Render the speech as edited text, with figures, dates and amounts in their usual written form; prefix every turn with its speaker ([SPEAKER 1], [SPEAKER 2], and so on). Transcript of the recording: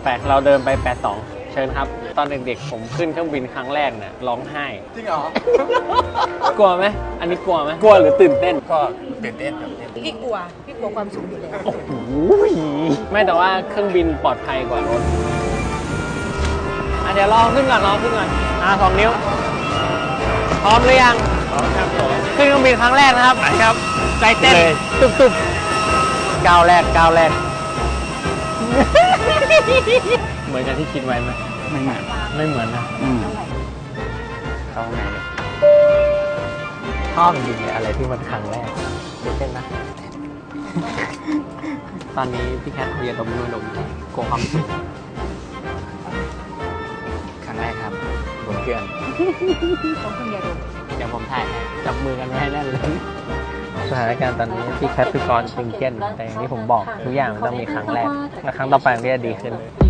[SPEAKER 1] ไปเราเดินไป82เชิญครับตอนเด็กๆผมขึ้นเครื่องบินครั้งแรกเนี่ยร้องไห้
[SPEAKER 2] จริงเหรอ
[SPEAKER 1] กลัวไหมอันนี้กลัวไหมกลัวหรือตื่นเต้น
[SPEAKER 2] ก็ตื่นเต้นครับ
[SPEAKER 3] พี่กลัวความสูงอยู่แล้ว
[SPEAKER 1] โอ้โหไม่แต่ว่าเครื่องบินปลอดภัยกว่ารถเดี๋ยวลองขึ้นก่อน2 นิ้วพร้อมหรือยังพร้อมครับผมขึ้นเครื่องบินครั้งแรกนะครับครับใจเต้นตุบก้าวแรกเหมือนกันที่คิดไว้ไหมไม่เหมือนนะเข้าไงเลยชอบจริงเลยอะไรที่มันครั้งแรกตื่นเต้นนะ ตอนนี้พี่แคทเรียนดมมือดมโกความสุขครั้งแรกครับบนเครื่อง
[SPEAKER 3] ต้องขึ้นยาดม
[SPEAKER 1] เดี๋ยวผมถ่ายจับมือกันไว้ให้แน่นเลยสถานการณ์ตอนนี้พี่แคทคือกรตึงเก้นแต่อย่างที่ผมบอกทุกอย่างมันต้องมีครั้งแรกและครั้งต่อไปมันก็จะดีขึ้น